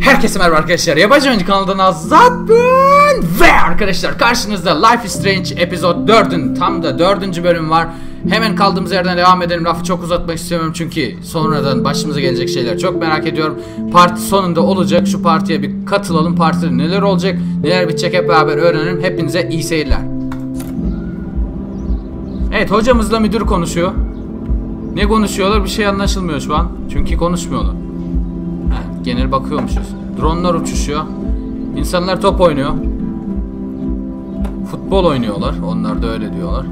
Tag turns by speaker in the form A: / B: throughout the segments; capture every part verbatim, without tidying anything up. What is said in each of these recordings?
A: Herkese merhaba arkadaşlar, Yabancı Oyuncu kanalından Azat ben ve arkadaşlar karşınızda Life is Strange Episode dördün tam da dördüncü bölüm var. Hemen kaldığımız yerden devam edelim, lafı çok uzatmak istemiyorum çünkü sonradan başımıza gelecek şeyler çok merak ediyorum. Parti sonunda olacak, şu partiye bir katılalım, partide neler olacak, neler bitecek hep beraber öğrenelim. Hepinize iyi seyirler. Evet, hocamızla müdür konuşuyor. Ne konuşuyorlar bir şey anlaşılmıyor şu an çünkü konuşmuyorlar. Genel bakıyormuşuz. Dronlar uçuşuyor. İnsanlar top oynuyor. Futbol oynuyorlar. Onlar da öyle diyorlar.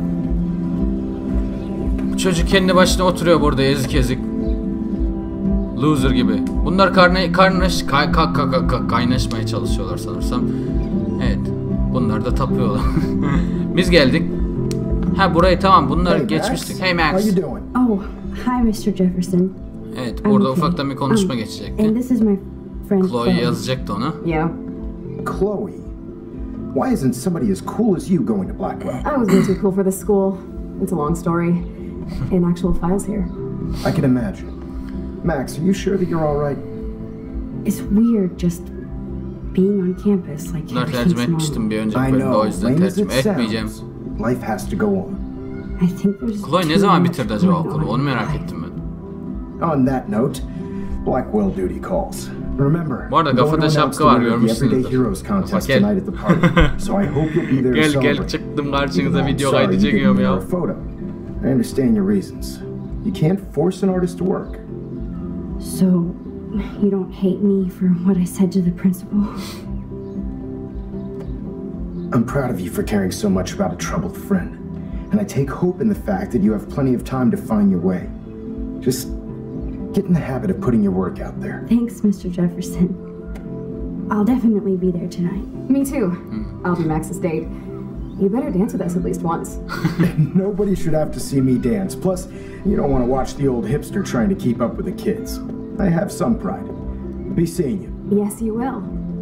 A: Çocuk kendi başına oturuyor burada ezik ezik. Loser gibi. Bunlar karne, karnaş, kay, kay, kay, kay, kay, kaynaşmaya çalışıyorlar sanırsam. Evet. Bunlar da tapıyorlar. Biz geldik. Ha burayı tamam. Bunlar hey, geçmiştik. Hey Max.
B: Oh, hi mister Jefferson.
A: Evet, burada okay. Ufaktan bir konuşma um, geçecekti.
B: And this is my friend
A: Chloe, Chloe yazacaktı ona.
B: Yeah.
C: Chloe, why isn't somebody as cool as you going to Blackwell?
B: I was way too cool for this school. It's a long story. And actual files here.
C: I can imagine. Max, are you sure that you're all right?
B: It's weird just being on campus like
A: Bunlar tercüme etmiştim bir önceki bölümde, o yüzden tercüme etmeyeceğim.
C: Life has to go on.
B: I think there's
A: Chloe ne zaman bitirdi acaba okulu? Onu merak ettim ben.
C: On that note, Blackwell duty calls. Remember,
A: bu arada kafada şapka var, görmüşsünüzdür. Gel gel çıktım karşınıza, video kaydı çekiyorum ya.
C: I understand your reasons. You can't force an artist to work.
B: So, you don't hate me for what I said to the principal?
C: I'm proud of you for caring so much about a troubled friend. And I take hope in the fact that you have plenty of time to find your way. Just get in the habit of putting your work out there.
B: Thanks, mister Jefferson. I'll definitely be there tonight. Me too. Hmm. I'll be Max's date. You better dance with us at least once.
C: Nobody should have to see me dance. Plus, you don't want to watch the old hipster trying to keep up with the kids. I have some pride. Be seeing you.
B: Yes, you will.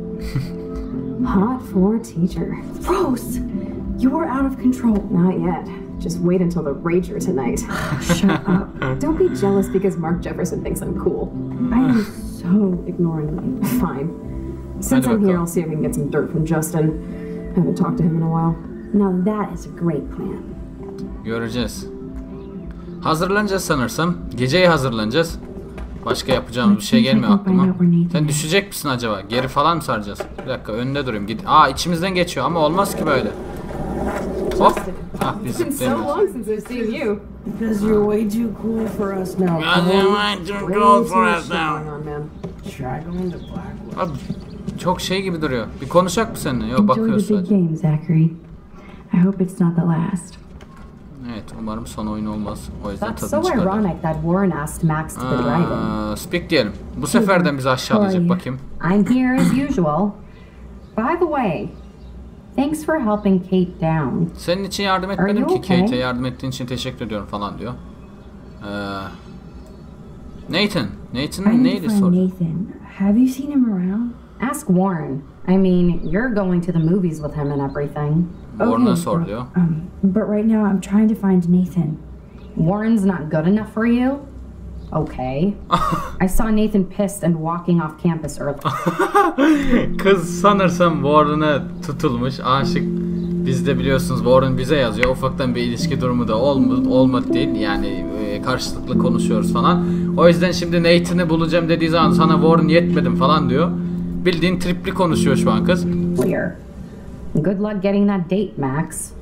B: Hot for teacher. Rose, you're out of control. Not yet. Just wait until the rager tonight. Shut up. Don't be jealous because Mark Jefferson thinks I'm cool. I am so ignoring you. Fine. Since I'm here, I'll see if we can get some dirt from Justin. I haven't talked to him in a while. Now that is a great plan.
A: Göreceğiz. Hazırlanacağız sanırsam. Geceye hazırlanacağız. Başka yapacağımız bir şey gelmiyor aklıma. Sen düşecek misin acaba? Geri falan mı saracağız? Bir dakika, önünde durayım. Git. Aa, içimizden geçiyor ama olmaz ki böyle. Hop. Ah, biz zıplayamıyoruz.
D: Because you're way too cool for us now.
A: You're way too cool for us now.
D: Try going to Blackwell.
A: Abi, çok şey gibi duruyor. Bir konuşacak mı seninle? Yok, bakıyoruz sadece.
B: Enjoy the big game, Zachary. I hope it's not the last.
A: Evet, umarım son oyun olmaz. O yüzden
E: That's
A: tadını
E: so
A: çıkarır.
E: ironic that Warren asked Max to the drive-in.
A: Speak diyelim. Bu seferden bizi aşağılayacak, bakayım.
E: I'm here as usual. By the way, thanks for helping Kate down.
A: Senin için yardım etmedim ki, okay? Kate'e yardım ettiğin için teşekkür ediyorum falan diyor. Ee, Nathan. Nathan neydi soru?
B: Nathan. Have you seen him around?
E: Ask Warren. I mean, you're going to the movies with him and everything.
A: Warren'a
B: okay,
A: sor diyor.
B: Um, but right now I'm trying to find Nathan.
E: Warren's not good enough for you? Okay. I saw Nathan pissed and walking off campus early.
A: Kız sanırsam Warren'a tutulmuş, aşık. Biz de biliyorsunuz Warren bize yazıyor. Ufaktan bir ilişki durumu da olmadı, olmadı değil. Yani e, karşılıklı konuşuyoruz falan. O yüzden şimdi Nathan'ı bulacağım dediği zaman sana Warren yetmedim falan diyor. Bildiğin tripli konuşuyor şu an kız.
E: Clear. Good luck getting that date, Max.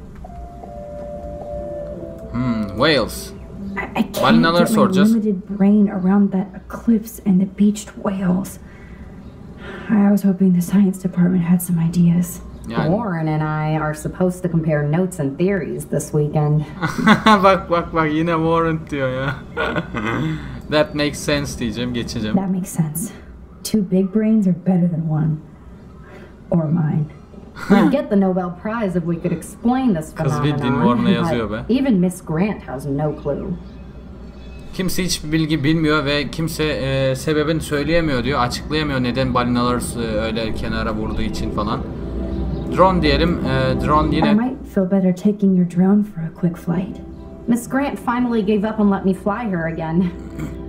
A: Hmm, Wales.
B: I, I can't get my limited brain around that eclipse and the beached whales. I was hoping the science department had some ideas.
A: Yani.
E: Warren and I are supposed to compare notes and theories this weekend.
A: Bak bak bak, yine Warren diyor ya. That makes sense diyeceğim, geçeceğim.
B: That makes sense. Two big brains are better than one. Or mine.
E: We'd get the Nobel Prize if we could explain this phenomenon, but even Miss Grant has no clue.
A: Kimse hiçbir bilgi bilmiyor ve kimse e, sebebini söyleyemiyor diyor, açıklayamıyor neden balinalar e, öyle kenara vurduğu için falan. Drone diyelim, e, drone yine...
B: I might feel better taking your drone for a quick flight.
E: Miss Grant finally gave up and let me fly her again.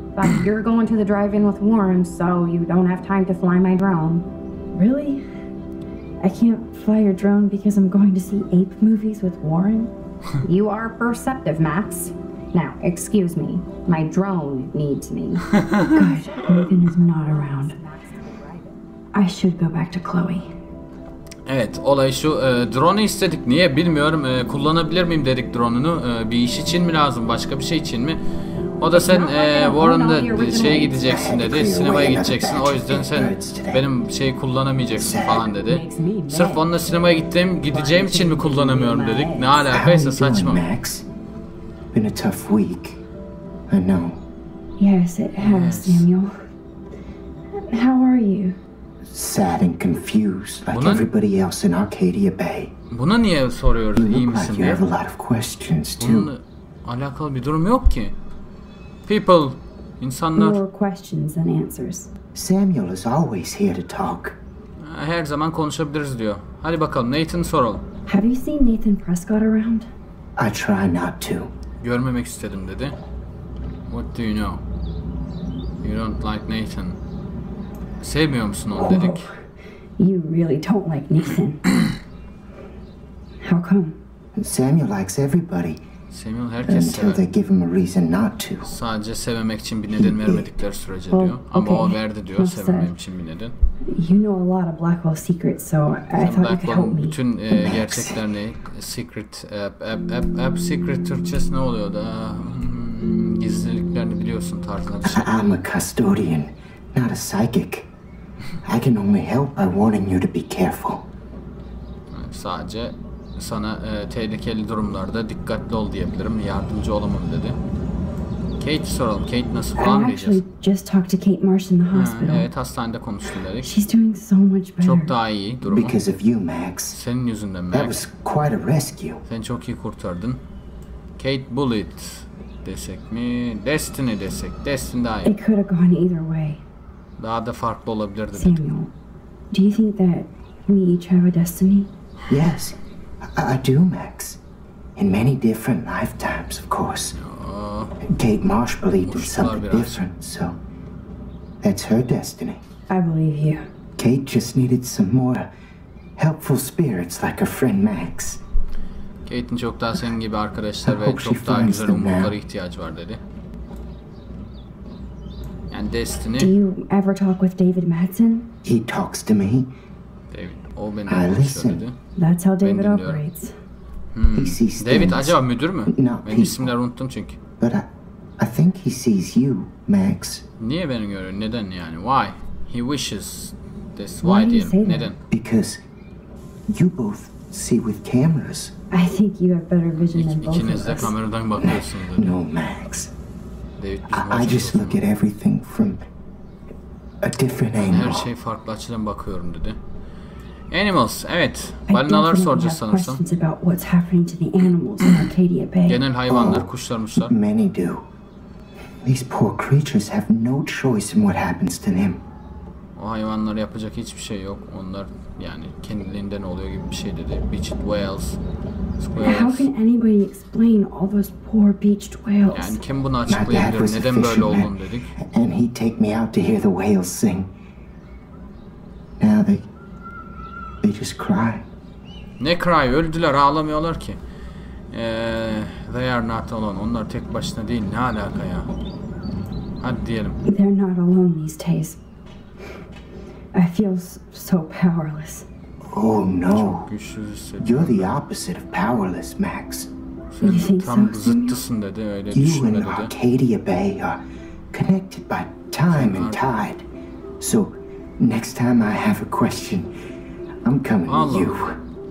E: but you're going to the drive-in with Warren, so you don't have time to fly my drone.
B: Really? I can't fly your drone because I'm going to see ape movies with Warren?
E: You are perceptive, Max. Now, excuse me. My drone needs me.
B: Good. Nathan is not around. I should go back to Chloe.
A: Evet, olay şu, e, drone'u istedik. Niye bilmiyorum. E, kullanabilir miyim dedik drone'unu. E, bir iş için mi lazım, başka bir şey için mi? O da sen e, Warren'da şeye gideceksin dedi, sinemaya gideceksin. O yüzden sen benim şeyi kullanamayacaksın falan dedi. Sırf onunla sinemaya gittiğim, gideceğim için mi kullanamıyorum dedik. Ne alakaysa saçma.
C: Max? Been a tough week. I know.
B: Yes, it has, Samuel. How are you?
C: Sad and confused like
A: Buna-
C: everybody else in Arcadia Bay.
A: Buna niye soruyoruz
C: You
A: iyi
C: look
A: misin
C: like you
A: diye?
C: have a lot of questions too.
A: Bununla alakalı bir durum yok ki. People, insanlar
B: More questions than answers.
C: Samuel is always here to talk.
A: her zaman konuşabiliriz diyor. Hadi bakalım Nathan soralım.
B: Have you seen Nathan Prescott around?
C: I try not to.
A: Görmemek istedim dedi. What do you know? You don't like Nathan. Sevmiyor musun onu dedik.
B: You really don't like Nathan. How come?
C: Samuel likes everybody
A: Samuel herkes
C: until they
A: sever.
C: give him a reason not to.
A: Sadece sevmemek için bir neden vermedikleri sürece
B: Oh,
A: diyor. Ama o
B: okay.
A: verdi diyor
B: Nasıl?
A: sevmemem için bir neden.
B: You know a lot of Blackwell secrets, so I thought you could help
A: Blackwell'ın
B: me.
A: bütün e, gerçekler ne? Secret, app, app, app, app secret Türkçesi ne oluyor da? Hmm, gizliliklerini biliyorsun tarzında bir şey.
C: I'm a custodian, not a psychic. I can only help by warning you to be careful.
A: Sadece sana e, tehlikeli durumlarda dikkatli ol diyebilirim. Yardımcı olamam dedi. Kate'i soralım. Kate nasıl
B: I
A: falan
B: actually
A: diyeceğiz.
B: just talked to Kate Marsh in the
A: Ha,
B: hospital.
A: evet hastanede konuştum dedik.
B: She's doing so much better.
A: Çok daha iyi durumu.
C: Because of you, Max.
A: Senin yüzünden
C: That
A: Max.
C: was quite a rescue.
A: Sen çok iyi kurtardın. Kate Bullitt desek mi? Destiny desek. Destiny daha iyi.
B: It could have gone either way.
A: Daha da farklı olabilirdi.
B: Samuel, do you think that we each have a destiny?
C: Yes, I, I do, Max. In many different lifetimes, of course. Kate Marsh believed in
A: Boşlar
C: something
A: biraz.
C: different, so that's her destiny.
B: I believe you.
C: Kate just needed some more helpful spirits like her friend Max.
A: Kate'in çok daha senin gibi arkadaşlar
C: I
A: ve
C: hope she
A: çok daha
C: finds
A: güzel
C: them now.
A: umutlara ihtiyacı var dedi. Yani
B: Do
A: Destiny,
B: you ever talk with David Madsen?
C: He talks to me.
A: David, o benimle
C: I
A: konuşuyor
C: listen.
A: dedi.
B: That's how David
A: dinliyorum.
B: operates.
C: He sees
A: David
C: things,
A: acaba müdür mü?
C: not
A: Ben
C: people.
A: isimleri unuttum çünkü.
C: But I, I think he sees you, Max.
A: Niye beni görüyor? Neden yani? Why? He wishes. That's
B: Why
A: why
B: do you say
A: diyelim.
B: that?
A: Neden?
C: Because you both see with cameras.
B: I think you have better vision than
A: İk,
B: both
A: ikiniz
B: of
A: de
B: us.
A: kameradan bakıyorsunuz dedi.
C: No, Max.
A: David bizim
C: I, I just
A: hoşumuz.
C: look at everything from a different
A: Her
C: angle.
A: şey farklı açıdan bakıyorum dedi. Animals, evet.
B: I
A: Balinalar
B: definitely
A: soracağız
B: have
A: sanırsam.
B: questions about what's happening to the animals in Arcadia Bay.
A: Genel hayvanlar, kuşlar, muşlar.
C: Many do. These poor creatures have no choice in what happens to them.
A: O hayvanlara yapacak hiçbir şey yok. Onlar yani kendiliğinden oluyor gibi bir şey dedi. Beached whales,
B: How
A: squirrels.
B: can anybody explain all those poor beached whales?
A: Yani kim bunu
C: My dad was
A: açıklayabilir?
C: a
A: Neden böyle
C: fisherman,
A: olduğunu dedik.
C: and he'd take me out to hear the whales sing. Now they, they just cry.
A: Ne cry? Öldüler, ağlamıyorlar ki. Ee, they are not alone. Onlar tek başına değil. Ne alaka ya? Hadi diyelim.
B: They're not alone these days. I feel s- so powerless.
C: Oh no,
A: Güçsüz hissediyorum.
C: you're the opposite of powerless, Max.
B: You
A: Sen
B: think
A: tam
B: so, Samuel?
A: zıttısın dedi. Öyle
C: You
A: düşünme
C: and
A: dedi.
C: Arcadia Bay are connected by time and tide. So, next time I have a question, I'm coming to
A: Allah.
C: you.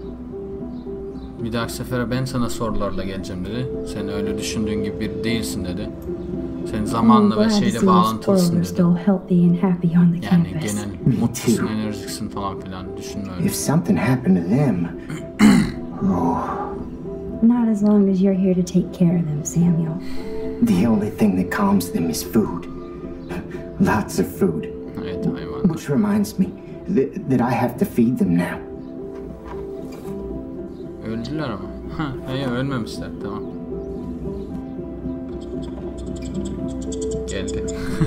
A: Bir dahaki sefere ben sana sorularla geleceğim dedi. Sen öyle düşündüğün gibi biri değilsin dedi. Sen
B: I'm
A: zamanla ve
B: glad to see
A: şeyle
B: the squirrels
A: bağlantılısın
B: are
A: dedi.
B: still healthy and happy on the
A: Yani
B: campus.
A: genel mutlusun, enerjiksin falan filan düşünme öyle.
C: If something happened to them, oh,
B: Not as long as you're here to take care of them, Samuel.
C: the only thing that calms them is food. Lots of food.
A: Evet hayvan.
C: Which reminds me that, that I have to feed them now.
A: Öldüler ama. Ha, hayır ölmemişler tamam. Gel dedi.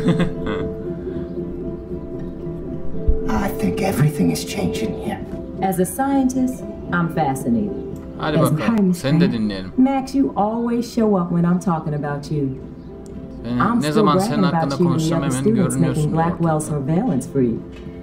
C: I think everything is changing here.
F: As a scientist, I'm fascinated.
A: Hadi bakalım. Seni de dinleyelim.
F: Max, you always show up when I'm talking about you.
A: Ben
F: I'm
A: ne
F: still
A: zaman senin
F: bragging
A: hakkında
F: about you and the
A: konuşsam
F: other
A: hemen
F: students making
A: görünüyorsun.
F: Blackwell surveillance free.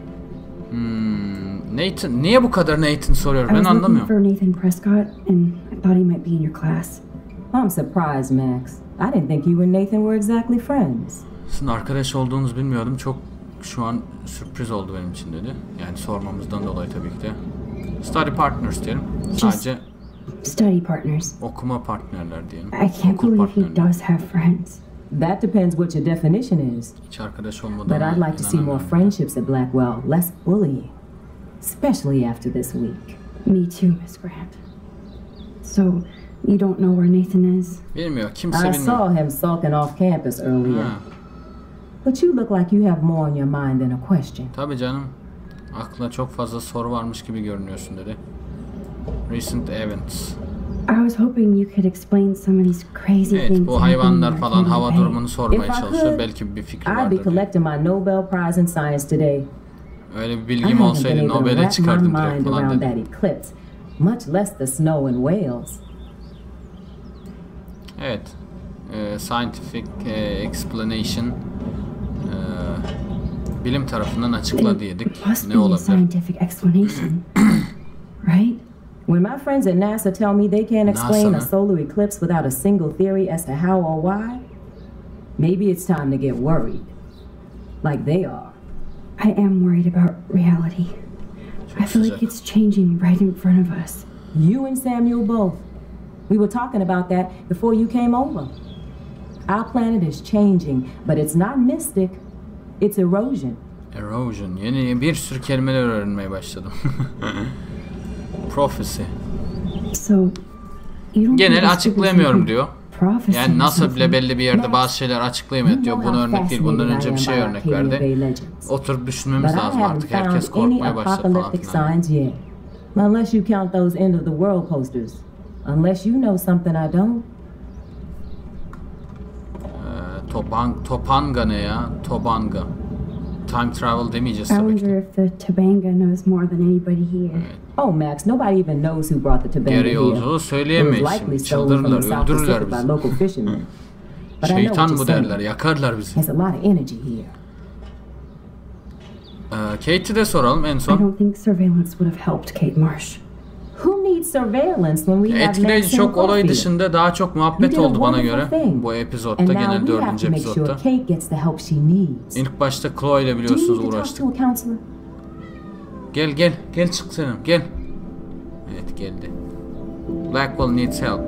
A: Hmm, Nathan, niye bu kadar Nathan soruyor?
B: I
A: Ben
B: was looking
A: anlamıyorum.
B: for Nathan Prescott, and I thought he might be in your class.
F: I'm surprised, Max. I didn't think you and Nathan were exactly friends.
A: Sizin arkadaş olduğunuzu bilmiyordum. Çok şu an sürpriz oldu benim için dedi. Yani sormamızdan dolayı tabii ki de. Study partners diyelim. Sadece
B: Study partners.
A: okuma partnerler diyelim.
B: I can't
A: Okul
B: believe he
A: partnerleri.
B: does have friends.
F: That depends what your definition is.
A: Hiç arkadaş olmadan.
F: But I'd like to see more friendships at Blackwell, less bullying. Especially after this week.
B: Me too, Miss Grant. So, you don't know where Nathan is?
A: Bilmiyor. Kimse
F: I
A: bilmiyor.
F: saw him sulking off campus earlier.
A: Ha,
F: But you look like you have more on your mind than a question.
A: tabii canım. Aklına çok fazla soru varmış gibi görünüyorsun dedi. Recent events.
B: I was hoping you could explain some of these crazy
A: Evet,
B: things.
A: bu
B: happening
A: hayvanlar
B: in our
A: falan
B: family
A: hava
B: bank.
A: durumunu sormaya
F: If I
A: çalışıyor.
F: could,
A: Belki bir fikri
F: I'd be
A: vardır diye.
F: collecting my Nobel Prize in Science today.
A: Öyle bir
F: I
A: bilgim
F: haven't been
A: olsaydı
F: able to
A: Nobel'e
F: wrap my
A: çıkardım direkt
F: mind
A: falan
F: around
A: dedi.
F: that eclipse, much less the snow in Wales.
A: Evet. Ee, scientific e, explanation e, bilim tarafından açıkla diyedik.
B: It must
A: Ne
B: be a
A: olabilir?
B: scientific explanation, right?
F: When my friends at NASA tell me they can't explain
A: NASA
F: a
A: mı?
F: solar eclipse without a single theory as to how or why, maybe it's time to get worried. Like they are.
B: I am worried about reality. I feel like
A: sıcak.
B: it's changing right in front of us.
F: You and Samuel both. We were talking about that before you came over. Our planet is changing, but it's not mystic. It's erosion.
A: Erosion. Yeni bir sürü kelimeler öğrenmeye başladım. Prophecy.
B: So, you don't think
A: Genel
B: this could be
A: açıklayamıyorum
B: some
A: diyor.
B: prophecy or
A: Yani NASA bile
B: something?
A: belli bir yerde bazı şeyler açıklayamıyor diyor. Bunu örnek değil. Bundan önce bir şey örnek verdi. Oturup düşünmemiz
F: But I
A: lazım
F: haven't
A: artık.
F: found
A: Herkes
F: any
A: korkmaya başladı falan
F: apocalyptic
A: filan.
F: signs yet. Unless you count those end of the world posters. Unless you know something I don't.
A: Ee, Toban, Topanga ne ya? Tobanga. Time travel demeyeceğiz
B: I
A: tabii ki.
B: wonder if the Tobanga knows more than anybody here.
F: Oh, Max, nobody even knows who brought the Tobanga
A: Geri
F: here.
A: yolculuğu
F: It was
A: söyleyemeyiz
F: likely
A: şimdi.
F: stolen from the
A: Çıldırırlar,
F: South
A: öldürürler
F: Pacific by
A: bizi.
F: local fishermen. But I know what
A: Şeytan
F: you're
A: bu
F: saying.
A: derler, yakarlar bizi.
F: There's a lot of energy here.
A: Ee, Kate'i de soralım en
B: I
A: son.
B: don't think surveillance would have helped Kate Marsh.
F: Who needs surveillance when we have
A: Etkileyici
F: Max
A: çok
F: and
A: olay
F: Coffee?
A: dışında daha çok
F: You
A: muhabbet
F: did a
A: oldu bana
F: wonderful
A: göre.
F: thing.
A: Bu
F: And
A: epizodda,
F: now
A: genel
F: we have
A: dördüncü
F: to make sure
A: epizodda.
F: Kate gets the help she needs.
A: İlk başta Chloe ile
F: Do you
A: biliyorsunuz
F: need to talk
A: uğraştık.
F: to a counselor?
A: Gel gel, gel çık senin, gel. Evet geldi. Blackwell needs help.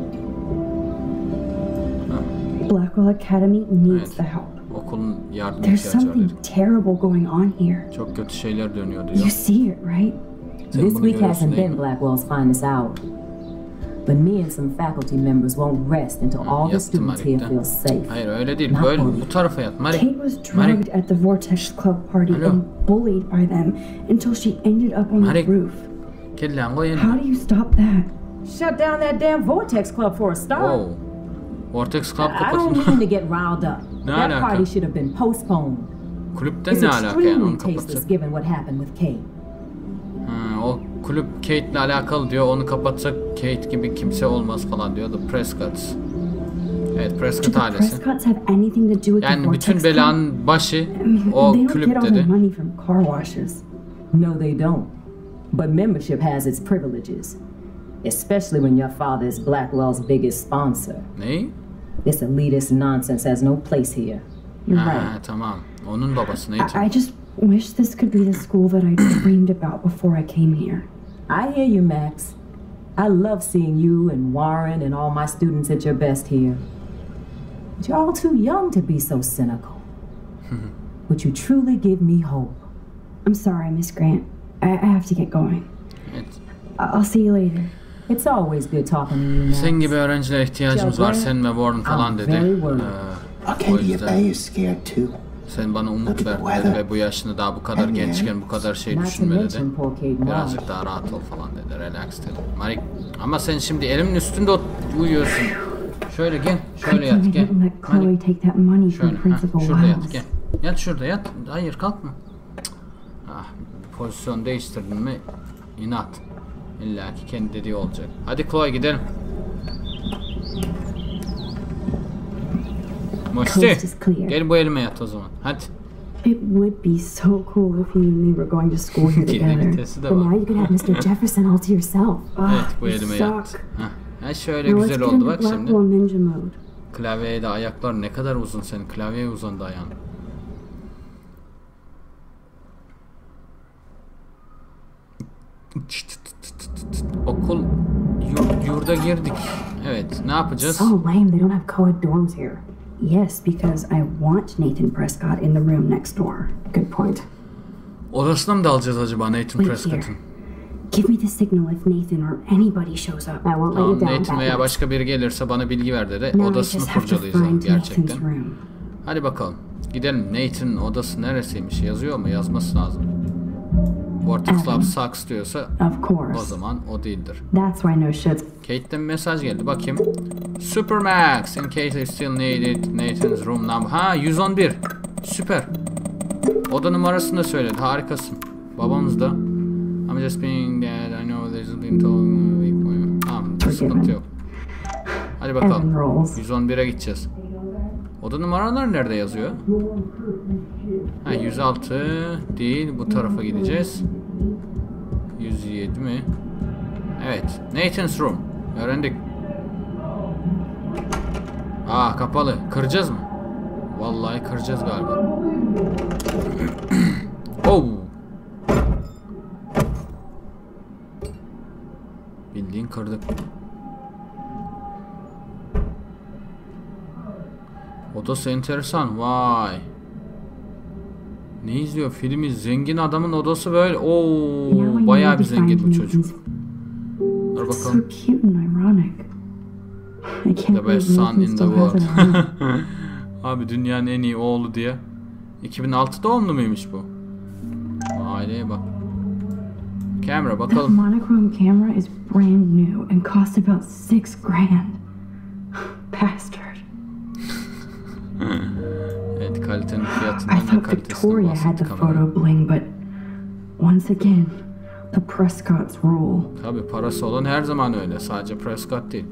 B: Blackwell Academy needs
A: Evet.
B: the help.
A: Okulun yardım
B: There's
A: ihtiyacı var
B: something
A: dedi.
B: terrible going on here.
A: Çok kötü şeyler dönüyor
B: You
A: diyor.
B: see it, right?
A: Sen
F: This
A: bunu
F: week
A: görüyorsun
F: hasn't
A: değil
F: been
A: mi?
F: Blackwell's finest hour. But me and some faculty members won't rest until all the
A: Yattım
F: students here
A: Marik'te.
F: feel safe.
A: Hayır öyle değil.
F: Not
A: Böyle
F: bullied.
A: bu tarafa yat.
B: Kate
A: Marik.
B: was
A: Marik.
B: drugged at the Vortex Club party
A: Hello.
B: and bullied by them until she ended up on
A: Marik.
B: the roof.
A: Gel lan koy
B: How
A: elini.
B: do you stop that?
F: Shut down that damn Vortex Club for a start.
A: Wow. Vortex Club
F: I don't mean
A: kapatın.
F: to get riled up.
A: Ne
F: That
A: alaka?
F: party should have been postponed.
A: Kulüpten
F: It's
A: ne alaka yani
F: extremely
A: onu
F: tasteless
A: kapatsak?
F: given what happened with Kate.
A: Ha, o kulüp Kate'le alakalı diyor. Onu kapatsak Kate gibi kimse olmaz falan diyor. The Prescotts. Evet,
B: Do
A: Prescott
B: the
A: ailesi.
B: Prescotts have anything to do with the
A: Yani
B: Vortex
A: bütün
B: Club?
A: belanın başı
B: I mean,
A: o
B: they don't
A: kulüp
B: get all their
A: dedi.
B: money from car washes.
F: No, they don't. But membership has its privileges. Especially when your father is Blackwell's biggest sponsor.
A: Neyi?
F: This elitist nonsense has no place here.
B: You're
A: Ha,
B: right.
A: tamam. Onun babası neydi?
B: I, I just wish this could be the school that I dreamed about before I came here.
F: I hear you, Max. I love seeing you and Warren and all my students at your best here. But you're all too young to be so cynical. But you truly give me hope.
B: I'm sorry, Miss Grant. I, I have to get going.
A: Evet.
B: I- I'll see you later.
F: It's always good talking to you, Max.
A: Sen gibi öğrencilere ihtiyacımız var. Sen ve Warren falan
F: I'm
A: dedi.
F: very worried.
A: Ee, o
C: Arcadia
A: yüzden
C: Bay is scared too.
A: sen bana umut
C: Look at
A: ver
C: the
A: dedi
C: weather.
A: ve bu yaşında daha bu kadar
C: And
A: gençken bu kadar şey
F: Not to
A: düşünme dedi.
F: mention poor Kate Marsh.
A: Birazcık daha rahat ol falan dedi. Relax dedi. Marik, ama sen şimdi elimin üstünde ot- uyuyorsun. Şöyle gel. Şöyle
B: I
A: yat gel.
B: didn't let Chloe
A: Hadi.
B: take that money from
A: Şöyle.
B: Principal
A: Ha, şurada yat
B: Wiles.
A: gel. Yat şurada yat. Hayır kalkma. Cık. Ah, pozisyon değiştirdin mi inat. İlla ki kendi dediği olacak. Hadi Chloe gidelim. Musti.
B: Coast is clear.
A: Gel bu elime yat o zaman. Hadi.
B: It would be so cool if you and me were going to school here
A: Geri
B: together.
A: vitesi de
B: But
A: var.
B: now you could have Mister Jefferson all to yourself. Ah,
A: Evet bu
B: you
A: elime
B: suck.
A: yat. Hah. Ha şöyle
B: Now let's
A: güzel
B: get
A: oldu
B: into
A: bak şimdi.
B: Blackwell Ninja mode.
A: Klavyeye de ayaklar ne kadar uzun senin. Klavyeye uzandı ayağın. Okul yur, yurda girdik. Evet, ne yapacağız?
B: So lame they don't have co-ed dorms here. Yes, because I want Nathan Prescott in the room next door. Good point.
A: Odasına mı dalacağız acaba Nathan
B: Wait
A: Prescott'ın?
B: here. Give me the signal if Nathan or anybody shows up. I won't let
A: Tamam,
B: you down.
A: Nathan veya
B: Batman.
A: başka biri gelirse bana bilgi ver dedi.
B: Now I
A: Odasını
B: just have to
A: kurcalayacağım
B: find
A: gerçekten.
B: Nathan's room.
A: Hadi bakalım. Gidelim. Nathan'ın odası neresiymiş? Yazıyor mu? Yazması lazım. Vortex Lab sucks diyorsa
B: Of course.
A: o zaman o değildir.
B: That's why no shit's.
A: Kate'den bir mesaj geldi. Bakayım. Supermax. In case you still need it. Nathan's room number. Ha yüz on bir. Süper. Oda numarasını da söyledi. Harikasın. Babamız da. I'm just being that I know there's been told. Tamam. Sıkıntı yok. Hadi bakalım.
B: Evan rolls.
A: yüz on bire gideceğiz. Oda numaralar nerede yazıyor? Ha yüz altı değil. Bu tarafa gideceğiz. yüz yedi mi? Evet. Nathan's room. Öğrendik. Aa kapalı. Kıracağız mı? Vallahi kıracağız galiba. Oh. Bildiğin kırdık. Odası enteresan. Vay. Ne izliyor? Filmi zengin adamın odası böyle.
B: Now I
A: Oo,
B: know
A: bayağı bir
B: to find
A: zengin bu çocuk.
B: Nathan's.
A: Dur
B: So
A: bakalım.
B: cute and ironic. I can't
A: The best
B: believe
A: son
B: Nathan
A: in the
B: still has
A: world.
B: it at home.
A: Abi dünyanın en iyi oğlu diye. iki bin altı doğumlu muymuş bu? Aileye bak. Kamera
B: That
A: bakalım.
B: monochrome camera is brand new and cost about six grand. Bastard.
A: Evet kalitenin
B: I
A: fiyatından ve
B: thought
A: kalitesinden
B: Victoria had the
A: bahsetti kamera.
B: photo bling, but once again, the Prescotts rule.
A: Tabi parası olan her zaman öyle. Sadece Prescott değil.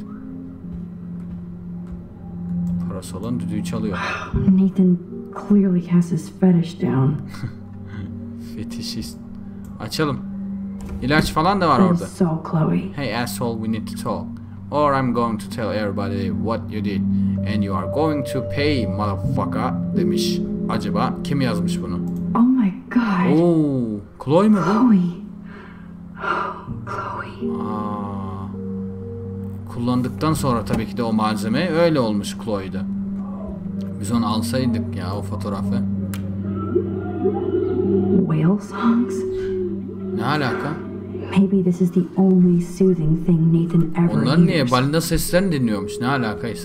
A: Parası olan düdüğü çalıyor.
B: Nathan clearly has his fetish down.
A: Fetişist. Açalım. İlaç falan da var
B: And
A: orada.
B: so, Chloe,
A: Hey asshole, we need to talk. Or I'm going to tell everybody what you did. And you are going to pay motherfucker demiş. Acaba kim yazmış bunu?
B: oh my god,
A: Oo, Chloe mi bu?
B: Chloe. Oh, Chloe.
A: Aa, kullandıktan sonra tabii ki de o malzeme öyle olmuş Chloe'de. Biz onu alsaydık ya o fotoğrafı.
B: Whale songs?
A: Ne alaka?
B: Maybe this is the only soothing thing Nathan ever
A: Onlar niye?
B: hears.
A: Balina seslerini dinliyormuş. Ne alakaysa.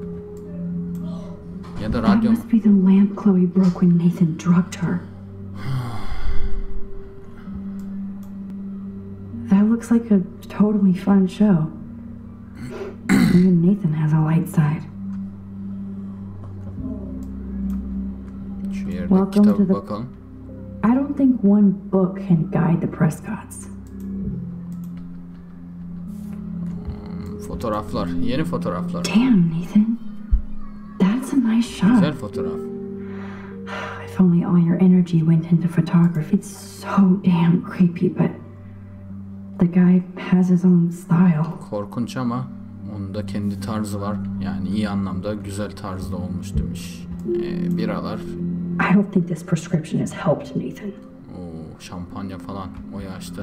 A: Ya da
B: That
A: radyo mu?
B: must be the lamp Chloe broke when Nathan drugged her. That looks like a totally fun show. Even Nathan has a light side.
A: Şu yerde
B: Welcome
A: kitaba
B: to the-
A: bakalım.
B: I don't think one book can guide the Prescotts.
A: Fotoğraflar. Yeni fotoğraflar.
B: Damn, Nathan. That's a nice shot.
A: Güzel fotoğraf.
B: If only all your energy went into photography. It's so damn creepy, but the guy has his own style.
A: Korkunç ama onun da kendi tarzı var. Yani iyi anlamda güzel tarzda olmuş demiş. Ee, biralar.
B: I don't think this prescription has helped Nathan.
A: Oo, şampanya falan o yaşta.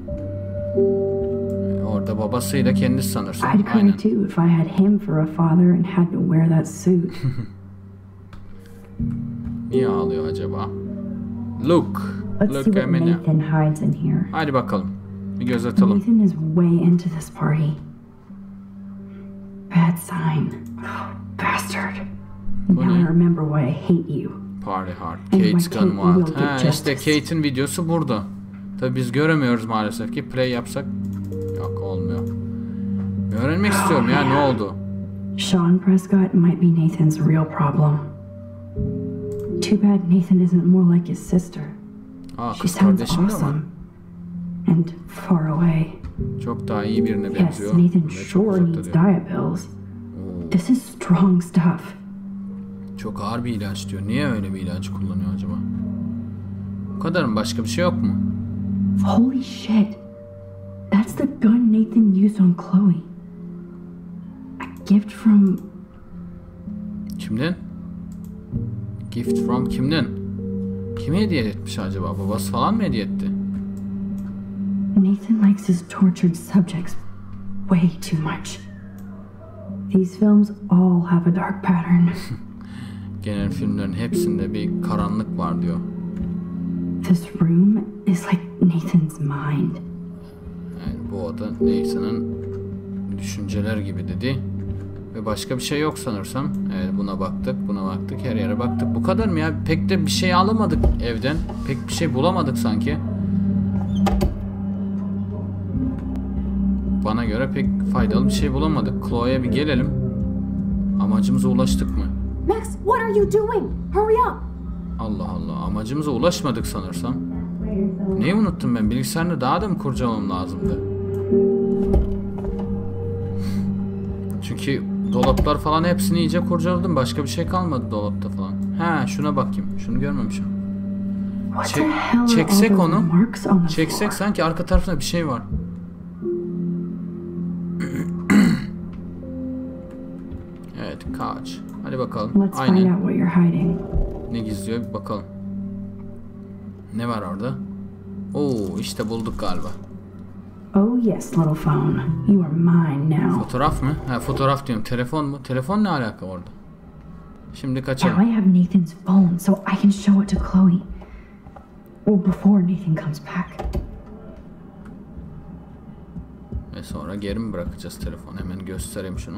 A: Ee, orada babasıyla kendisi sanırsın.
B: I'd cry
A: Aynen.
B: too if I had him for a father and had to wear that suit.
A: Niye ağlıyor acaba? Look.
B: Let's see
A: Look
B: what
A: Emine.
B: Nathan hides in here.
A: Hadi bakalım. Bir göz atalım.
B: Nathan is way into this party. Bad sign. Oh, bastard.
A: Bu
B: Now I
A: ne?
B: remember why I hate you.
A: Party hard.
B: And
A: Kate's
B: my
A: Gone
B: Kate will
A: Wild.
B: get
A: Ha, işte
B: justice.
A: Kate'in videosu burada. Tabi biz göremiyoruz maalesef ki. Play yapsak yok olmuyor. Öğrenmek istiyorum ya ne oldu?
B: Sean Prescott might be Nathan's real problem. Too bad Nathan isn't more like his sister.
A: Aa,
B: She
A: kız
B: sounds
A: kardeşim de var.
B: awesome. And far away.
A: Çok daha iyi birine
B: Yes,
A: benziyor.
B: Nathan
A: Ve çok
B: sure
A: uzakta
B: needs
A: diyor.
B: diet pills. This is strong stuff.
A: Çok ağır bir ilaç diyor. Niye öyle bir ilaç kullanıyor acaba? Bu kadar mı? Başka bir şey yok mu?
B: Holy shit. That's the gun Nathan used on Chloe. A gift from...
A: Kimden? Gift from kimden? Kime hediye etmiş acaba? Babası falan mı hediye etti?
B: Nathan likes his tortured subjects way too much. These films all have a dark pattern.
A: Genel filmlerin hepsinde bir karanlık var diyor.
B: This room is like Nathan's mind.
A: Yani bu oda Nathan'ın düşünceler gibi dedi. Ve başka bir şey yok sanırsam. Evet, buna baktık, buna baktık, her yere baktık. Bu kadar mı ya? Pek de bir şey alamadık evden. Pek bir şey bulamadık sanki. Bana göre pek faydalı bir şey bulamadık. Chloe'ye bir gelelim. Amacımıza ulaştık mı?
B: Max, what are you doing? Hurry up!
A: Allah Allah, amacımıza ulaşmadık sanırsam. Neyi unuttum ben? Bilgisayarını daha da mı kurcalamam lazımdı? Çünkü dolaplar falan hepsini iyice kurcaladım. Başka bir şey kalmadı dolapta falan. Ha, şuna bakayım. Şunu görmemişim. Çek, çeksek onu. Çeksek sanki arka tarafında bir şey var. Evet, kaç. Hadi bakalım.
B: Let's find
A: Aynen.
B: out what you're hiding.
A: Ne gizliyor bir bakalım. Ne var orada? Oo, işte bulduk galiba.
B: Oh yes, little phone. You are mine now.
A: Fotoğraf mı? Ha, fotoğraf diyorum. Telefon mu? Telefon ne alaka orada? Şimdi
B: Now
A: kaçalım.
B: I have Nathan's phone, so I can show it to Chloe. Or before Nathan comes back.
A: Ve sonra geri mi bırakacağız telefonu? Hemen göstereyim şunu.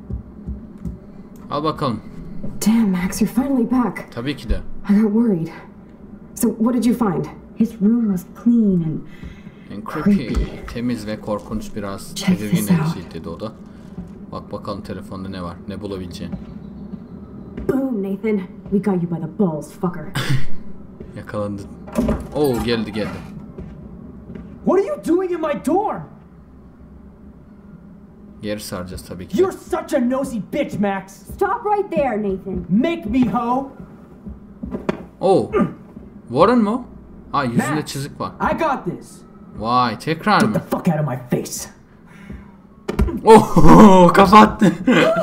A: Al bakalım.
B: Damn, Max, you're finally back.
A: Tabii ki de.
B: I got worried. So what did you find? His room was clean and
A: En creepy. Temiz ve korkunç, biraz
B: Check
A: tedirgin
B: this out.
A: edici dedi o da. Bak bakalım telefonda ne var? Ne bulabileceğin.
B: boom, Nathan. We got you by the balls, fucker.
A: Yakalandı. Oo, geldi geldi.
G: What are you doing in my dorm?
A: Geri saracağız tabii ki de.
G: You're such a nosy bitch, Max.
B: Stop right there, Nathan.
G: Make me, ho.
A: Oo. Warren mu? Ha, yüzünde
G: Max,
A: çizik var.
G: I got this.
A: Vay, tekrar
G: Get the
A: mı?
G: fuck out of my face.
A: Oh, kapattı.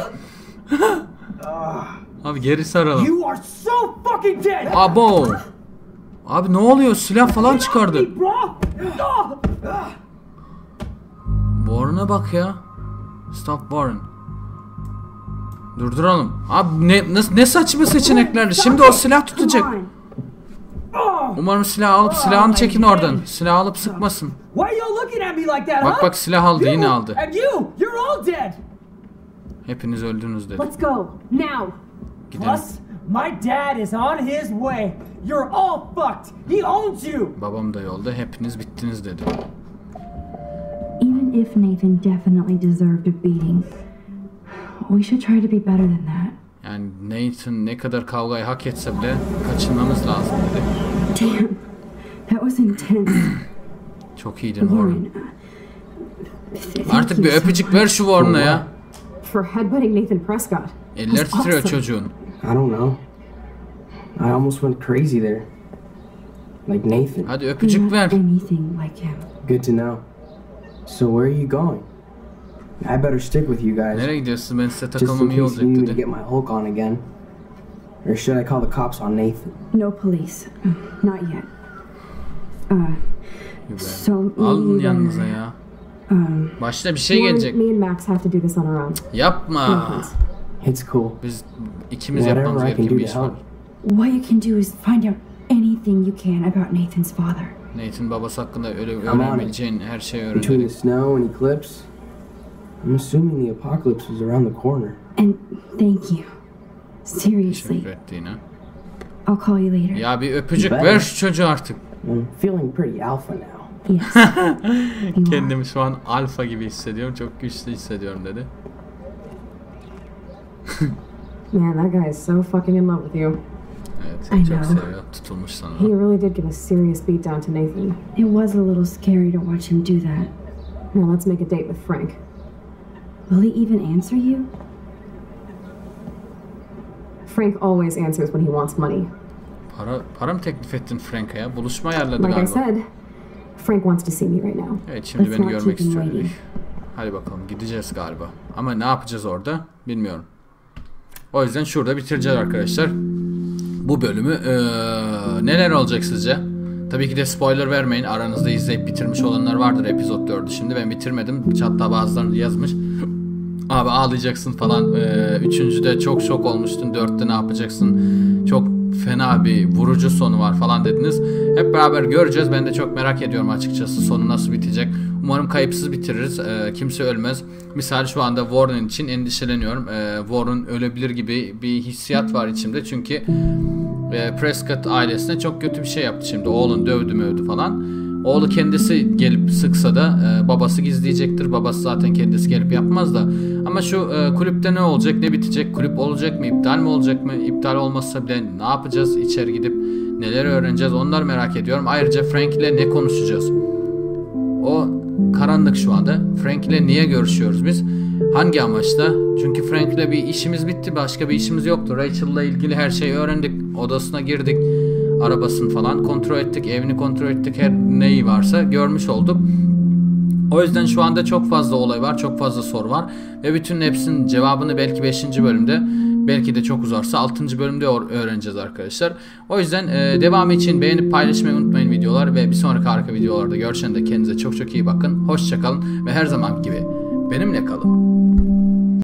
A: Abi geri saralım.
G: You are so fucking dead.
A: Abo. Abi ne oluyor? Silah falan çıkardı.
G: Hey, bro. Ah.
A: Warren'a bak ya. Stop Warren. Durduralım. Abi ne, ne, ne saçma seçeneklerdi. Şimdi o silah tutacak.
B: Come on.
A: Umarım silah alıp silahını çekin oradan. Silah alıp sıkmasın.
G: Why are you looking at me like that,
A: Bak
G: huh?
A: bak, silah aldı,
G: You
A: yine aldı.
G: And you, you're all dead.
A: Hepiniz öldünüz dedi.
B: Let's go now.
A: Gidelim.
G: Plus, my dad is on his way. You're all fucked. He owns you.
A: Babam da yolda. Hepiniz bittiniz dedi.
B: Even if Nathan definitely deserved a beating, we should try to be better than that.
A: Yani Nathan ne kadar kavgayı hak etse bile kaçınmamız lazım dedi.
B: Damn, that was intense.
A: Çok iyiydin Warren.
B: Warren, uh,
A: Artık
B: thank
A: bir
B: you so
A: öpücük
B: much
A: ver şu Warren'a ya.
B: for headbutting Nathan Prescott.
A: Eller
B: That's
A: titriyor
B: awesome.
A: çocuğun.
H: I don't know. I almost went crazy there. Like Nathan.
A: Hadi
B: You're
A: öpücük
B: not
A: ver.
B: anything like him.
H: Good to know. So where are you going? I better stick with you guys.
A: Nereye gidiyorsun? Ben size
H: Just
A: takılmam
H: in
A: iyi
H: case
A: olacak
H: you need me to
A: dedi.
H: get my Hulk on again. Or should I call the cops on Nathan?
B: No police. Not yet. Uh, so me
A: Alın
B: and,
A: yanınıza ya.
B: um,
A: Başta bir şey
B: Warren,
A: gelecek.
B: me and Max have to do this on our own.
A: Yapma.
H: It's cool.
A: Biz ikimiz yapmamız
H: Whatever I can
A: gereken
H: do
A: bir
H: to
A: iş var.
H: help.
B: What you can do is find out anything you can about Nathan's father.
A: Nathan babası hakkında öyle
H: on it.
A: öğrenebileceğin her şeyi öğren
H: Between the
A: dedi.
H: snow and eclipse, I'm assuming the apocalypse is around the corner.
B: And thank you. Seriously.
A: Teşekkür ettiğine.
B: I'll call you later.
A: Ya bir öpücük
H: Ben-
A: ver şu çocuğa artık.
H: I'm feeling pretty alpha now.
B: Yes. You are.
A: Kendimi şu an alfa gibi hissediyorum. Çok güçlü hissediyorum dedi.
B: Man, that guy is so fucking in love with you.
A: Evet, seni
B: I
A: çok
B: know.
A: seviyor. Tutulmuş sana.
B: He really did give a serious beatdown to Nathan.
I: It was a little scary to watch him do that.
B: Now let's make a date with Frank.
I: Will he even answer you?
B: Frank always answers when he wants money.
A: Para, para mı teklif ettin Frank'a ya? Buluşma ayarladı
B: Like I
A: galiba.
B: said, Frank wants to see me right now.
A: Evet, şimdi
I: Let's
A: beni
I: not
A: görmek
I: keep him
A: istiyor.
I: waiting.
A: Hadi bakalım, gideceğiz galiba. Ama ne yapacağız orada bilmiyorum. O yüzden şurada bitireceğiz arkadaşlar. Bu bölümü ee, neler olacak sizce? Tabii ki de spoiler vermeyin. Aranızda izleyip bitirmiş olanlar vardır epizod dördü. Şimdi ben bitirmedim. Hatta bazıları yazmış. Abi ağlayacaksın falan. Ee, üçüncüde çok şok olmuştun. Dörtte ne yapacaksın? Çok fena bir vurucu sonu var falan dediniz. Hep beraber göreceğiz. Ben de çok merak ediyorum açıkçası. Sonu nasıl bitecek? Umarım kayıpsız bitiririz. Ee, kimse ölmez. Misal şu anda Warren için endişeleniyorum. Ee, Warren ölebilir gibi bir hissiyat var içimde. Çünkü e, Prescott ailesine çok kötü bir şey yaptı şimdi. Oğlun dövdü mövdü falan. Oğlu kendisi gelip sıksa da e, babası gizleyecektir. Babası zaten kendisi gelip yapmaz da. Ama şu e, kulüpte ne olacak, ne bitecek? Kulüp olacak mı, iptal mi olacak mı? İptal olmazsa bile ne yapacağız? İçeri gidip neler öğreneceğiz? Onları merak ediyorum. Ayrıca Frank ile ne konuşacağız? O karanlık şu anda. Frank ile niye görüşüyoruz biz? Hangi amaçla? Çünkü Frank ile bir işimiz bitti. Başka bir işimiz yoktu. Rachel'la ilgili her şeyi öğrendik. Odasına girdik. Arabasını falan kontrol ettik. Evini kontrol ettik. Her neyi varsa görmüş olduk. O yüzden şu anda çok fazla olay var. Çok fazla soru var. Ve bütün hepsinin cevabını belki beşinci bölümde, belki de çok uzarsa altıncı bölümde öğreneceğiz arkadaşlar. O yüzden e, devamı için beğenip paylaşmayı unutmayın videolar. Ve bir sonraki harika videolarda görüşene de kendinize çok çok iyi bakın. Hoşça kalın ve her zaman gibi benimle kalın.